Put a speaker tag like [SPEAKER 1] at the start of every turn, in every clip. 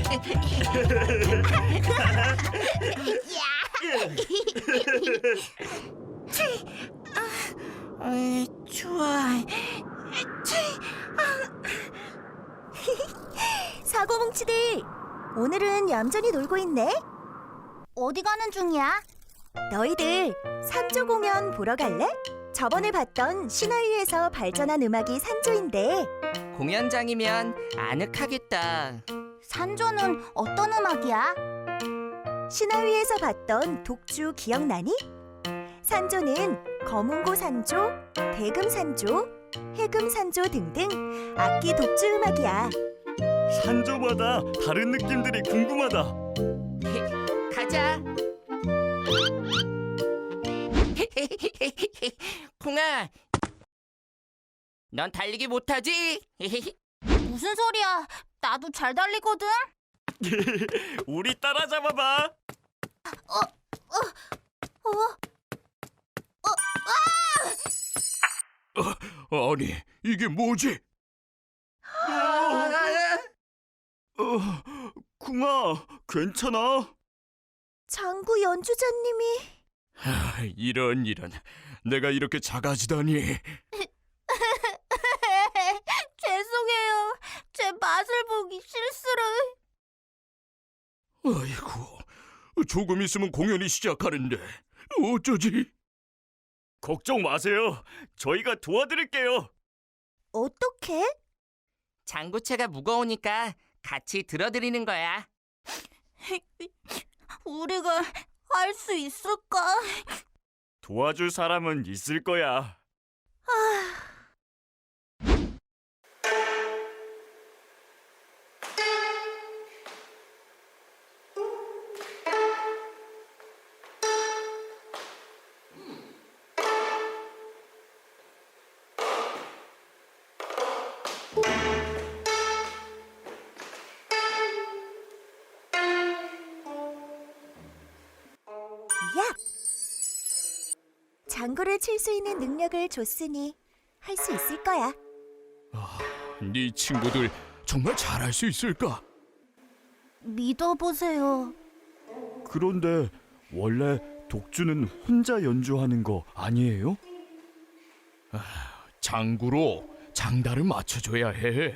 [SPEAKER 1] 좋아.
[SPEAKER 2] 사고뭉치들, 오늘은 얌전히 놀고 있네. 어디 가는 중이야? 너희들 산조 공연 보러 갈래? 저번에 봤던 신화위에서 발전한 음악이 산조인데.
[SPEAKER 1] 공연장이면 아늑하겠다.
[SPEAKER 2] 산조는 어떤 음악이야? 신화위에서 봤던 독주 기억나니? 산조는 검은고 산조, 대금 산조, 해금 산조 등등 악기 독주 음악이야.
[SPEAKER 3] 산조마다 다른 느낌들이 궁금하다.
[SPEAKER 1] 가자. 콩아, 넌 달리기 못하지?
[SPEAKER 2] 무슨 소리야? 나도 잘 달리거든.
[SPEAKER 3] 우리 따라잡아봐.
[SPEAKER 4] 아니, 이게 뭐지?
[SPEAKER 3] 쿵아, 괜찮아?
[SPEAKER 2] 장구 연주자님이.
[SPEAKER 4] 이런 내가 이렇게 작아지다니.
[SPEAKER 2] 죄송해요. 제 맛을 보기 실수를.
[SPEAKER 4] 아이고, 조금 있으면 공연이 시작하는데 어쩌지?
[SPEAKER 3] 걱정 마세요. 저희가 도와드릴게요.
[SPEAKER 2] 어떻게?
[SPEAKER 1] 장구채가 무거우니까 같이 들어드리는 거야.
[SPEAKER 2] 우리가 할 수 있을까?
[SPEAKER 3] 도와줄 사람은 있을 거야.
[SPEAKER 2] 야! 장구를 칠 수 있는 능력을 줬으니 할 수 있을 거야.
[SPEAKER 4] 네 친구들 정말 잘할 수 있을까?
[SPEAKER 2] 믿어보세요.
[SPEAKER 3] 그런데 원래 독주는 혼자 연주하는 거 아니에요?
[SPEAKER 4] 장구로 장단을 맞춰줘야 해.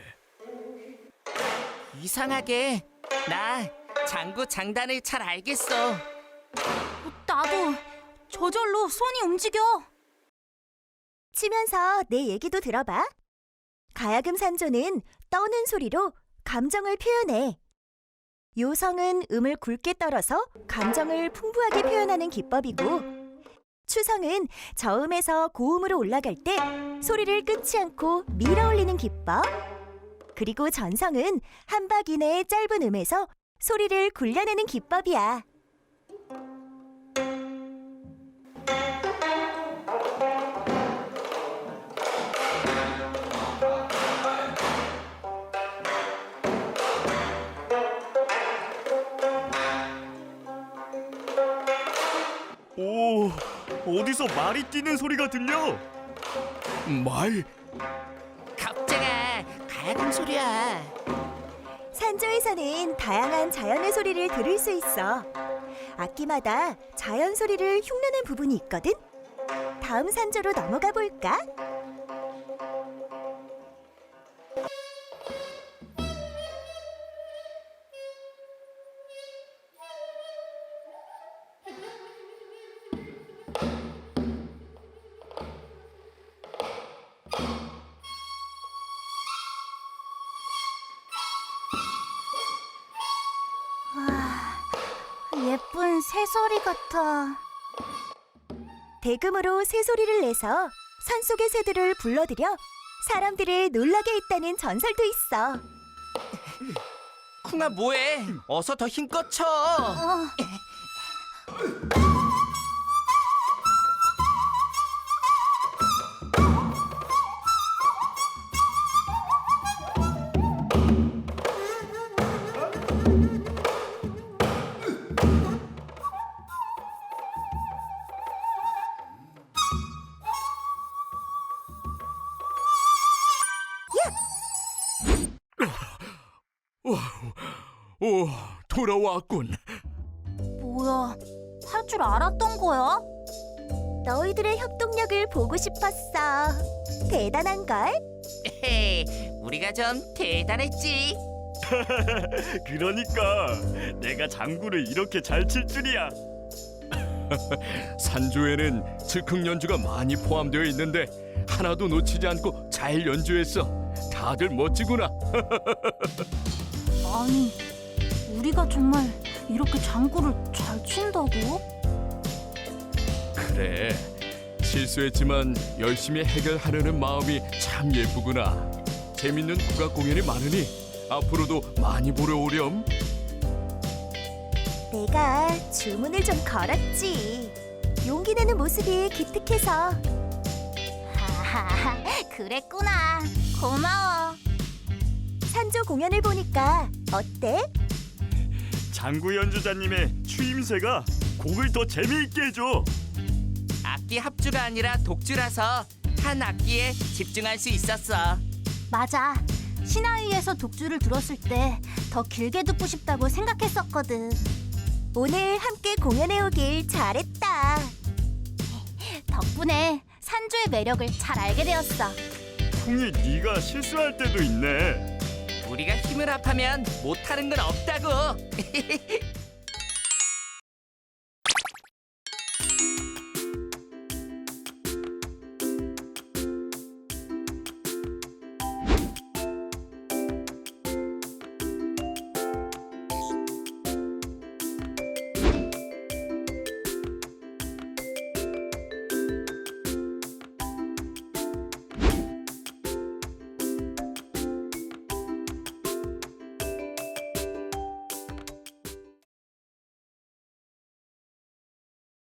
[SPEAKER 1] 이상하게 나 장구 장단을 잘 알겠어.
[SPEAKER 2] 나도 저절로 손이 움직여. 치면서 내 얘기도 들어봐. 가야금 산조는 떠는 소리로 감정을 표현해. 요성은 음을 굵게 떨어서 감정을 풍부하게 표현하는 기법이고, 추성은 저음에서 고음으로 올라갈 때 소리를 끊지 않고 밀어 올리는 기법, 그리고 전성은 한 박 이내의 짧은 음에서 소리를 굴려내는 기법이야.
[SPEAKER 3] 오, 어디서 말이 뛰는 소리가 들려?
[SPEAKER 4] 말?
[SPEAKER 1] 갑자가 가야금 소리야.
[SPEAKER 2] 산조에서는 다양한 자연의 소리를 들을 수 있어. 악기마다 자연 소리를 흉내낸 부분이 있거든. 다음 산조로 넘어가 볼까? 예쁜 새소리 같아. 대금으로 새소리를 내서 산속의 새들을 불러들여 사람들을 놀라게 했다는 전설도 있어.
[SPEAKER 1] 쿵아 뭐해? 어서 더 힘껏 쳐.
[SPEAKER 4] 오, 돌아왔군.
[SPEAKER 5] 뭐야, 할 줄 알았던 거야?
[SPEAKER 2] 너희들의 협동력을 보고 싶었어. 대단한걸?
[SPEAKER 1] 헤헤, 우리가 좀 대단했지.
[SPEAKER 3] 그러니까 내가 장구를 이렇게 잘 칠 줄이야.
[SPEAKER 4] 산조에는 즉흥 연주가 많이 포함되어 있는데 하나도 놓치지 않고 잘 연주했어. 다들 멋지구나.
[SPEAKER 5] 아니, 우리가 정말 이렇게 장구를 잘 친다고?
[SPEAKER 4] 그래, 실수했지만 열심히 해결하려는 마음이 참 예쁘구나. 재밌는 국악 공연이 많으니 앞으로도 많이 보러 오렴.
[SPEAKER 2] 내가 주문을 좀 걸었지. 용기 내는 모습이 기특해서.
[SPEAKER 5] 하하하, 그랬구나. 고마워.
[SPEAKER 2] 산조 공연을 보니까 어때?
[SPEAKER 3] 장구 연주자님의 추임새가 곡을 더 재미있게 해줘.
[SPEAKER 1] 악기 합주가 아니라 독주라서 한 악기에 집중할 수 있었어.
[SPEAKER 5] 맞아. 신화위에서 독주를 들었을 때 더 길게 듣고 싶다고 생각했었거든.
[SPEAKER 2] 오늘 함께 공연해 오길 잘했다.
[SPEAKER 5] 덕분에 산조의 매력을 잘 알게 되었어.
[SPEAKER 3] 콩이 네가 실수할 때도 있네.
[SPEAKER 1] 우리가 힘을 합하면 못하는 건 없다고.